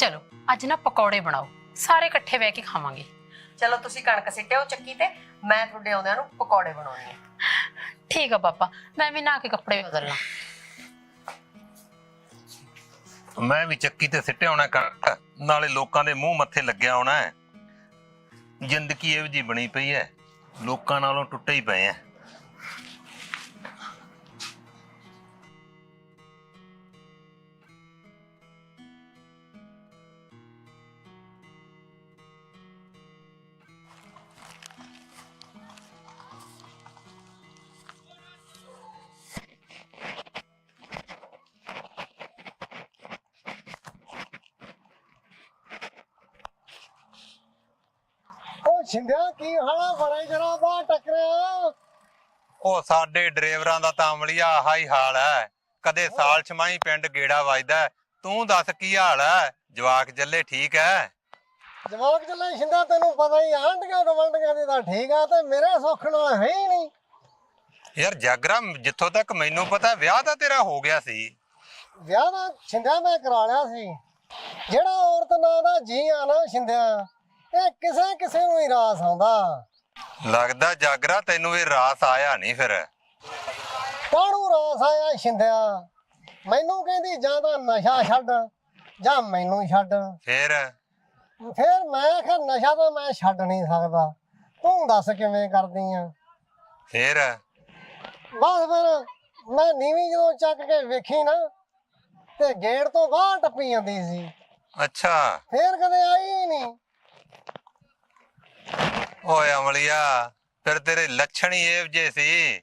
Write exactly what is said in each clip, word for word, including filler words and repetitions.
चलो अज ना पकौड़े बनाओ, सारे इकट्ठे बह के खावांगे। चलो तुसी कणक सिट्टिओ चक्की ते, मैं तुहाडे आउंदिआं नूं पकौड़े बनाउणी आ। ठीक है पापा, मैं भी नहा के कपड़े बदलना। मैं भी चक्की ते सिट्टे आउणा कणक, नाले लोकां दे मूंह मत्थे लग्गिआ आउणा है। जिंदगी इहो जी बनी पई है, लोकां नालों टुੱਟੇ ही पए हैं। ਛਿੰਦਿਆ ਕੀ ਹਾਲਾ ਬੜਾ ਜਰਾ ਬਾਹਰ ਟੱਕਰਿਆ। ਉਹ ਸਾਡੇ ਡਰਾਈਵਰਾਂ ਦਾ ਤਾਂ ਅਮਲੀਆ ਆਹਾ ਹੀ ਹਾਲ ਹੈ, ਕਦੇ ਸਾਲ ਛਮਾਈ ਪਿੰਡ ਗੇੜਾ ਵੱਜਦਾ। ਤੂੰ ਦੱਸ ਕੀ ਹਾਲ ਹੈ? ਜਵਾਕ ਚੱਲੇ ਠੀਕ ਹੈ? ਜਵਾਕ ਚੱਲੇ ਛਿੰਦਿਆ, ਤੈਨੂੰ ਪਤਾ ਹੀ ਆਂਢੀਆਂ ਗਵਾਂਢੀਆਂ ਦੀ ਤਾਂ ਠੀਕ ਆ, ਤੇ ਮੇਰੇ ਸੁੱਖ ਨਾਲ ਹੈ ਹੀ ਨਹੀਂ। ਯਾਰ ਜਾਗਰਾ, ਜਿੱਥੋਂ ਤੱਕ ਮੈਨੂੰ ਪਤਾ ਵਿਆਹ ਤਾਂ ਤੇਰਾ ਹੋ ਗਿਆ ਸੀ। ਵਿਆਹ ਦਾ ਛਿੰਦਿਆ ਮੈਂ ਕਰਾ ਲਿਆ ਸੀ। ਜਿਹੜਾ ਔਰਤ ਨਾਂ ਦਾ ਜੀ ਆ ਨਾ ਛਿੰਦਿਆ, ਇਹ ਕਿਸੇ ਕਿਸੇ ਨੂੰ ਹੀ ਰਾਸ ਆਉਂਦਾ। ਲੱਗਦਾ ਜਾਗਰਾ ਤੈਨੂੰ ਇਹ ਰਾਸ ਆਇਆ ਨਹੀਂ। ਫਿਰ ਕਾਹਨੂੰ ਰਾਸ ਆਇਆ ਛਿੰਦਿਆ? ਮੈਨੂੰ ਕਹਿੰਦੀ ਜਾਂ ਤਾਂ ਨਸ਼ਾ ਛੱਡ ਜਾਂ ਮੈਨੂੰ ਛੱਡ। ਫਿਰ ਫਿਰ ਮੈਂ ਆਖਿਆ ਨਸ਼ਾ ਤਾਂ ਮੈਂ ਛੱਡ ਨਹੀਂ ਸਕਦਾ, ਤੂੰ ਦੱਸ ਕਿਵੇਂ ਕਰਦੀ ਆ। ਫਿਰ ਬਸ ਫਿਰ ਮੈਂ ਨੀਵੀਂ ਜਦੋਂ ਚੱਕ ਕੇ ਵੇਖੀ ਨਾ, ਤੇ ਗੇਟ ਤੋਂ ਬਾਹਰ ਟੱਪੀ ਜਾਂਦੀ ਸੀ। ਅੱਛਾ, ਫੇਰ ਕਦੇ ਆਈ ਹੀ ਨਹੀਂ। ਓਏ ਅਮਲੀਆ, ਫਿਰ ਤੇਰੇ ਲੱਛਣ ਹੀ ਇਹੋ ਜਿਹੇ ਸੀ।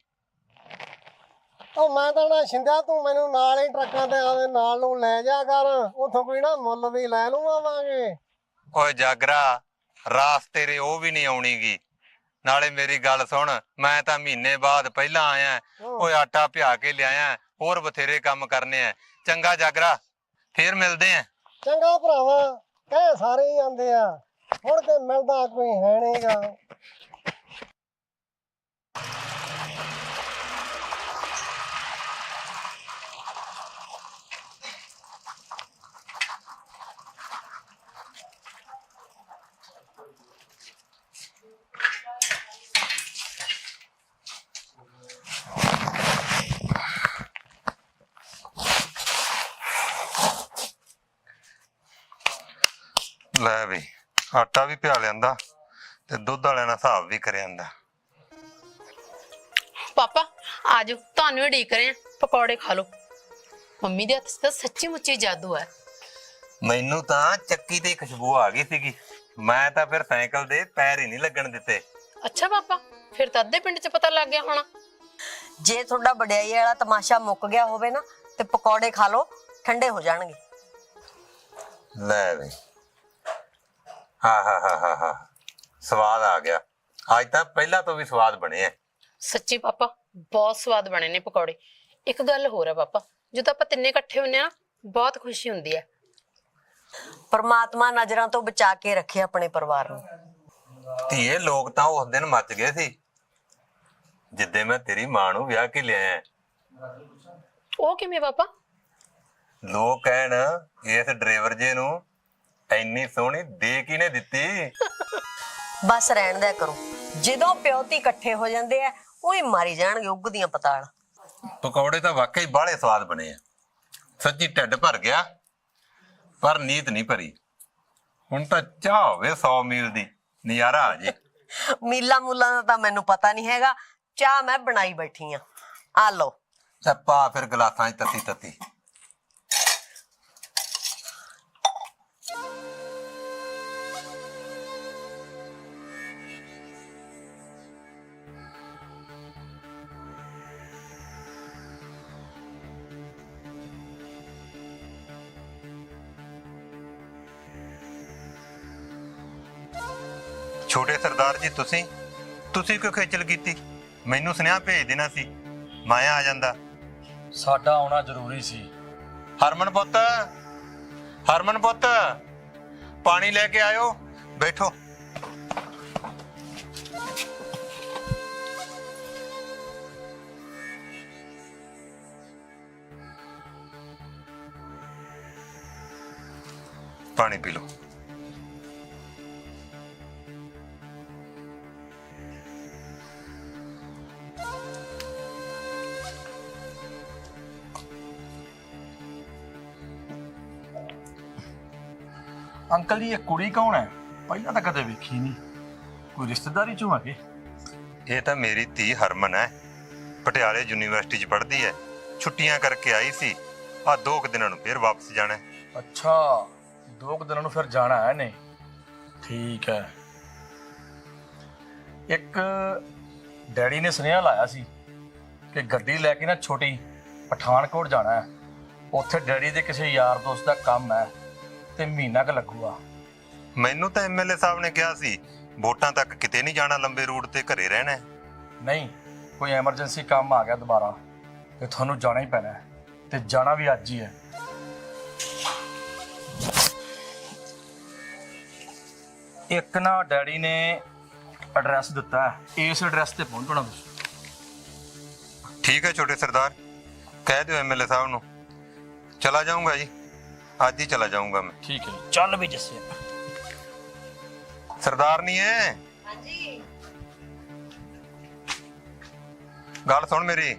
ਉਹ ਮੈਂ ਤਾਂ ਨਾ ਛਿੰਦਿਆ, ਤੂੰ ਮੈਨੂੰ ਨਾਲ ਹੀ ਟਰੱਕਾਂ ਤੇ ਆਵੇ ਨਾਲ ਨੂੰ ਲੈ ਜਾ ਕਰ, ਉੱਥੋਂ ਕੋਈ ਨਾ ਮੁੱਲ ਦੀ ਲੈ ਲੂ ਆਵਾਂਗੇ। ਓਏ ਜਾਗਰਾ, ਰਾਸ ਤੇਰੇ ਉਹ ਵੀ ਨਹੀਂ ਆਉਣੀਗੀ। ਨਾਲੇ ਮੇਰੀ ਗੱਲ ਸੁਣ, ਮੈਂ ਤਾਂ ਮਹੀਨੇ ਬਾਅਦ ਪਹਿਲਾਂ ਆਇਆ। ਓਏ ਆਟਾ ਪਿਆ ਕੇ ਲਿਆਇਆ, ਹੋਰ ਬਥੇਰੇ ਕੰਮ ਕਰਨੇ ਆ। ਚੰਗਾ ਜਾਗਰਾ, ਫੇਰ ਮਿਲਦੇ ਆ। ਚੰਗਾ ਭਰਾਵਾ, ਕਹਿ ਸਾਰੇ ਹੀ ਆਂਦੇ ਆ, ਹੁਣ ਤੇ ਮਿਲਦਾ ਕੋਈ ਹੈ ਨਹੀਂਗਾ। ਲੈ ਵੀ, ਆਟਾ ਵੀ ਪਿਆ ਲਿਆਂਦਾ ਤੇ ਦੁੱਧ ਵਾਲਿਆਂ ਨਾਲ ਹਿਸਾਬ ਵੀ ਕਰਿਆ ਜਾਂਦਾ। पापा आज ਤੁਹਾਨੂੰ ਹੀ ਢੀਕ ਰਹੇ ਆ, ਪਕੌੜੇ ਖਾ ਲਓ। ਮੰਮੀ ਦੇ ਹੱਥ 'ਚ ਤਾਂ ਸੱਚੀ ਮੁੱਚੀ ਜਾਦੂ ਹੈ। ਮੈਨੂੰ ਤਾਂ ਚੱਕੀ ਤੇ ਖੁਸ਼ਬੂ ਆ ਗਈ ਸੀਗੀ, ਮੈਂ ਤਾਂ ਫਿਰ ਸਾਈਕਲ ਦੇ ਪੈਰ ਹੀ ਨਹੀਂ ਲੱਗਣ ਦਿੱਤੇ। ਅੱਛਾ ਪਾਪਾ, ਫਿਰ ਤਾਂ ਅੱਧੇ ਪਿੰਡ 'ਚ ਪਤਾ ਲੱਗ ਗਿਆ ਹੋਣਾ। ਜੇ ਤੁਹਾਡਾ ਵਡਿਆਈ ਵਾਲਾ ਤਮਾਸ਼ਾ ਮੁੱਕ ਗਿਆ ਹੋਵੇ ਨਾ, ਤੇ ਪਕੌੜੇ ਖਾ ਲਓ, ਠੰਡੇ ਹੋ ਜਾਣਗੇ। ਲੈ ਵੀ, ਹਾਂ ਹਾਂ ਹਾਂ ਹਾਂ ਹਾਂ, ਸਵਾਦ ਆ ਗਿਆ। ਅੱਜ ਤਾਂ ਪਹਿਲਾਂ ਤੋਂ ਵੀ ਸਵਾਦ ਬਣੇ ਆ। ਸੱਚੀ ਪਾਪਾ, ਬਹੁਤ ਸਵਾਦ ਬਣੇ ਨੇ ਪਕੌੜੇ। ਇੱਕ ਗੱਲ ਹੋਰ ਹੈ ਪਾਪਾ, ਜਦੋਂ ਆਪਾਂ ਤਿੰਨੇ ਇਕੱਠੇ ਹੁੰਨੇ ਆ ਨਾ, ਬਹੁਤ ਖੁਸ਼ੀ ਹੁੰਦੀ ਹੈ। ਪਰਮਾਤਮਾ ਨਜ਼ਰਾਂ ਤੋਂ ਬਚਾ ਕੇ ਰੱਖੇ ਆਪਣੇ ਪਰਿਵਾਰ ਨੂੰ। ਧੀਏ, ਲੋਕ ਤਾਂ ਉਸ ਦਿਨ ਮੱਚ ਗਏ ਸੀ ਜਿੱਦੇ ਮੈਂ ਤੇਰੀ ਮਾਂ ਨੂੰ ਵਿਆਹ ਕੇ ਲਿਆਇਆ। ਉਹ ਕਿਵੇਂ ਪਾਪਾ? ਲੋਕ ਕਹਿਣ, ਇਸ ਡਰਾਈਵਰ ਜੇ ਨੂੰ ਇੰਨੀ ਸੋਹਣੀ ਦੇ ਕਿਹਨੇ ਦਿੱਤੀ। ਬਸ ਰਹਿਣ ਦਿਆ ਕਰੋ, ਜਦੋਂ ਪਿਓ ਧੀ ਇਕੱਠੇ ਹੋ ਜਾਂਦੇ ਆ, ਉਹੀ ਮਾਰੀ ਜਾਣਗੇ ਉੱਗਦੀਆਂ ਪਤਾਲ। ਪਕੌੜੇ ਤਾਂ ਵਾਕਈ ਬਾਹਲੇ ਸਵਾਦ ਬਣੇ ਆ। ਸੱਚੀ ਢਿੱਡ ਭਰ ਗਿਆ, ਪਰ ਨੀਤ ਨਹੀਂ ਭਰੀ। ਹੁਣ ਤਾਂ ਚਾਹ ਹੋਵੇ ਸੌ ਮੀਲ ਦੀ, ਨਜ਼ਾਰਾ ਆ ਜੇ। ਮੀਲਾ ਮੂਲਾਂ ਦਾ ਤਾਂ ਮੈਨੂੰ ਪਤਾ ਨਹੀਂ ਹੈਗਾ, ਚਾਹ ਮੈਂ ਬਣਾਈ ਬੈਠੀ ਆ। ਆ ਲਓ। ਪਾ ਫਿਰ ਗਲਾਸਾਂ 'ਚ ਤੱਤੀ ਤੱਤੀ। ਛੋਟੇ ਸਰਦਾਰ ਜੀ, ਤੁਸੀਂ ਤੁਸੀਂ ਕਿਉਂ ਖੇਚਲ ਕੀਤੀ? ਮੈਨੂੰ ਸੁਨੇਹਾ ਭੇਜ ਦੇਣਾ ਸੀ, ਮਾਇਆ ਆ ਜਾਂਦਾ। ਸਾਡਾ ਆਉਣਾ ਜ਼ਰੂਰੀ ਸੀ। ਹਰਮਨ ਪੁੱਤ, ਹਰਮਨ ਪੁੱਤ, ਪਾਣੀ ਲੈ ਕੇ ਆਇਓ, ਬੈਠੋ। ਪਾਣੀ ਪੀ ਲਓ। ਅੰਕਲ ਜੀ ਇਹ ਕੁੜੀ ਕੌਣ ਹੈ? ਪਹਿਲਾਂ ਤਾਂ ਕਦੇ ਵੇਖੀ ਨਹੀਂ। ਕੋਈ ਰਿਸ਼ਤੇਦਾਰੀ ਚੋਂ ਆ ਕੇ? ਇਹ ਤਾਂ ਮੇਰੀ ਧੀ ਹਰਮਨ ਹੈ, ਪਟਿਆਲੇ ਯੂਨੀਵਰਸਿਟੀ 'ਚ ਪੜ੍ਹਦੀ ਹੈ। ਛੁੱਟੀਆਂ ਕਰਕੇ ਆਈ ਸੀ, ਆ ਦੋ ਕੁ ਦਿਨਾਂ ਨੂੰ ਫਿਰ ਵਾਪਸ ਜਾਣਾ ਹੈ। ਅੱਛਾ, ਦੋ ਕੁ ਦਿਨਾਂ ਨੂੰ ਫਿਰ ਜਾਣਾ ਹੈ ਨੇ। ਠੀਕ ਹੈ। ਇੱਕ ਡੈਡੀ ਨੇ ਸੁਨੇਹਾ ਲਾਇਆ ਸੀ ਕਿ ਗੱਡੀ ਲੈ ਕੇ ਨਾ ਛੋਟੀ ਪਠਾਨਕੋਟ ਜਾਣਾ ਹੈ। ਉੱਥੇ ਡੈਡੀ ਦੇ ਕਿਸੇ ਯਾਰ ਦੋਸਤ ਦਾ ਕੰਮ ਹੈ ਤੇ ਮਹੀਨਾ ਕੁ ਲੱਗੂਗਾ। ਮੈਨੂੰ ਤਾਂ ਐਮਐਲਏ ਸਾਹਿਬ ਨੇ ਕਿਹਾ ਸੀ ਵੋਟਾਂ ਤੱਕ ਕਿਤੇ ਨਹੀਂ ਜਾਣਾ, ਲੰਬੇ ਰੂਟ ਤੇ ਘਰੇ ਰਹਿਣਾ ਹੈ। ਨਹੀਂ, ਕੋਈ ਐਮਰਜੈਂਸੀ ਕੰਮ ਆ ਗਿਆ ਦੁਬਾਰਾ ਤੇ ਤੁਹਾਨੂੰ ਜਾਣਾ ਹੀ ਪੈਣਾ ਹੈ, ਤੇ ਜਾਣਾ ਵੀ ਅੱਜ ਹੀ ਹੈ। ਇੱਕ ਨਾ ਡੈਡੀ ਨੇ ਐਡਰੈਸ ਦਿੱਤਾ ਹੈ, ਇਸ ਐਡਰੈਸ ਤੇ ਪਹੁੰਚਣਾ ਤੁਸੀਂ। ਠੀਕ ਹੈ ਛੋਟੇ ਸਰਦਾਰ, ਕਹਿ ਦਿਓ ਐਮਐਲਏ ਸਾਹਿਬ ਨੂੰ। ਚਲਾ ਜਾਊਂਗਾ ਜੀ, ਅੱਜ ਹੀ ਚਲਾ ਜਾਊਂਗਾ ਮੈਂ। ਠੀਕ ਹੈ, ਚੱਲ ਵੀ ਜੱਸੇ। ਸਰਦਾਰ ਨਹੀਂ ਹੈ? ਹਾਂਜੀ। ਗੱਲ ਸੁਣ ਮੇਰੀ।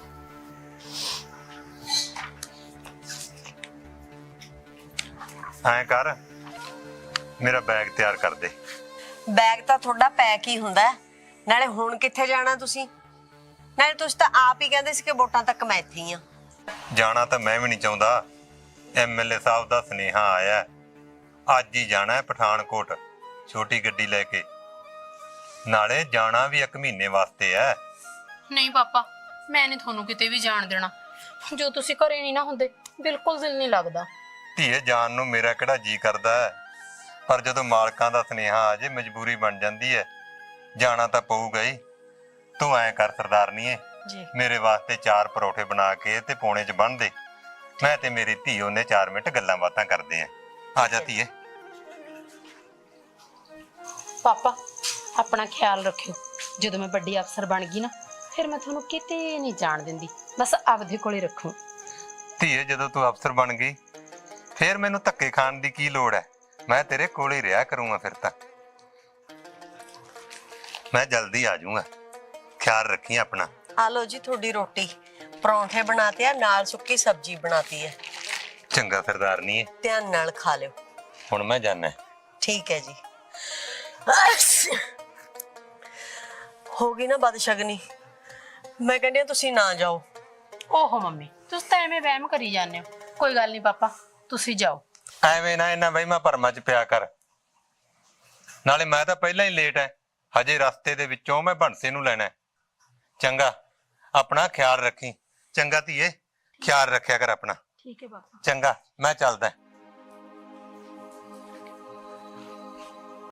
ਐਂ ਕਰ, ਮੇਰਾ ਬੈਗ ਤਿਆਰ ਕਰ ਦੇ। ਬੈਗ ਤਾਂ ਤੁਹਾਡਾ ਪੈਕ ਹੀ ਹੁੰਦਾ ਹੈ। ਨਾਲੇ ਹੁਣ ਕਿੱਥੇ ਜਾਣਾ ਤੁਸੀਂ? ਨਾਲੇ ਤੁਸੀਂ ਤਾਂ ਆਪ ਹੀ ਕਹਿੰਦੇ ਸੀ ਕਿ ਵੋਟਾਂ ਤੱਕ ਮੈਂ ਇੱਥੇ ਹੀ ਆ। ਜਾਣਾ ਤਾਂ ਮੈਂ ਵੀ ਨਹੀਂ ਚਾਹੁੰਦਾ, ਐਮਐਲਏ ਸਾਹਿਬ ਦਾ ਸੁਨੇਹਾ ਆਇਆ, ਅੱਜ ਹੀ ਜਾਣਾ ਹੈ ਪਠਾਨਕੋਟ ਛੋਟੀ ਗੱਡੀ ਲੈ ਕੇ। ਨਾਲੇ ਜਾਣਾ ਵੀ ਇੱਕ ਮਹੀਨੇ ਵਾਸਤੇ ਹੈ। ਨਹੀਂ ਪਾਪਾ, ਮੈਂ ਨਹੀਂ ਤੁਹਾਨੂੰ ਕਿਤੇ ਵੀ ਜਾਣ ਦੇਣਾ। ਜੋ ਤੁਸੀਂ ਘਰੇ ਨਹੀਂ ਨਾ ਹੁੰਦੇ, ਬਿਲਕੁਲ ਦਿਲ ਨਹੀਂ ਲੱਗਦਾ। ਧੀਏ ਜਾਣ ਨੂੰ ਮੇਰਾ ਕਿਹੜਾ ਜੀ ਕਰਦਾ ਹੈ, ਪਰ ਜਦੋਂ ਮਾਲਕਾਂ ਦਾ ਸੁਨੇਹਾ ਆ ਜੇ ਮਜਬੂਰੀ ਬਣ ਜਾਂਦੀ ਹੈ, ਜਾਣਾ ਤਾਂ ਪਊਗਾ ਹੀ। ਤੂੰ ਐਂ ਕਰ ਸਰਦਾਰਨੀਏ, ਜੀ ਮੇਰੇ ਵਾਸਤੇ ਚਾਰ ਪਰੌਠੇ ਬਣਾ ਕੇ ਤੇ ਪੌਣੇ 'ਚ ਬੰਨ ਦੇ। ਮੈਂ ਤੇ ਮੇਰੀ ਧੀ ਉਹਨੇ ਚਾਰ ਮਿੰਟ ਗੱਲਾਂ ਬਾਤਾਂ ਕਰਦੇ ਆਂ। ਆ ਜਾ ਧੀਏ। ਪਾਪਾ, ਆਪਣਾ ਖਿਆਲ ਰੱਖਿਓ। ਜਦੋਂ ਮੈਂ ਵੱਡੀ ਅਫਸਰ ਬਣ ਗਈ ਨਾ, ਫਿਰ ਮੈਂ ਤੁਹਾਨੂੰ ਕਿਤੇ ਨਹੀਂ ਜਾਣ ਦਿੰਦੀ, ਬਸ ਆਪਦੇ ਕੋਲੇ ਰੱਖੂ। ਧੀਏ ਜਦੋਂ ਤੂੰ ਅਫਸਰ ਬਣ ਗਈ, ਫਿਰ ਮੈਨੂੰ ਧੱਕੇ ਖਾਣ ਦੀ ਕੀ ਲੋੜ ਹੈ? ਮੈਂ ਤੇਰੇ ਕੋਲ ਹੀ ਰਿਹਾ ਕਰੂੰਗਾ। ਫਿਰ ਤਾਂ ਮੈਂ ਜਲਦੀ ਆ ਜਾਊਂਗਾ, ਖਿਆਲ ਰੱਖੀ ਆਪਣਾ। ਆ ਲਓ ਜੀ ਤੁਹਾਡੀ ਰੋਟੀ, ਪਰੌਂਠੇ ਬਣਾਤੇ ਆ, ਨਾਲ ਸੁੱਕੀ ਸਬਜ਼ੀ ਬਣਾਤੀ ਹੈ। ਚੰਗਾ ਸਰਦਾਰਨੀ, ਧਿਆਨ ਨਾਲ ਖਾ ਲਿਓ। ਹੁਣ ਮੈਂ ਜਾਣਾ। ਠੀਕ ਹੈ ਜੀ। ਹੋ ਗਈ ਨਾ ਬਦਸ਼ਗਨੀ। ਮੈਂ ਕਹਿੰਦੀ ਹਾਂ ਤੁਸੀਂ ਨਾ ਜਾਓ। ਓਹੋ ਮੰਮੀ, ਤੁਸੀਂ ਤਾਂ ਐਵੇਂ ਵਹਿਮ ਕਰੀ ਜਾਂਦੇ ਹੋ। ਕੋਈ ਗੱਲ ਨਹੀਂ ਪਾਪਾ, ਤੁਸੀਂ ਜਾਓ। ਐਵੇਂ ਨਾ ਇਹਨਾਂ ਵਹਿਮਾਂ ਭਰਮਾਂ 'ਚ ਪਿਆ ਕਰ। ਨਾਲੇ ਮੈਂ ਤਾਂ ਪਹਿਲਾਂ ਹੀ ਲੇਟ ਐ, ਹਜੇ ਰਸਤੇ ਦੇ ਵਿੱਚੋਂ ਮੈਂ ਬੰਸੇ ਨੂੰ ਲੈਣਾ। ਚੰਗਾ, ਆਪਣਾ ਖਿਆਲ ਰੱਖੀ। ਚੰਗਾ ਧੀਏ, ਖਿਆਲ ਰੱਖਿਆ ਕਰ ਆਪਣਾ। ਠੀਕ ਹੈ ਪਾਪਾ। ਚੰਗਾ, ਮੈਂ ਚੱਲਦਾ।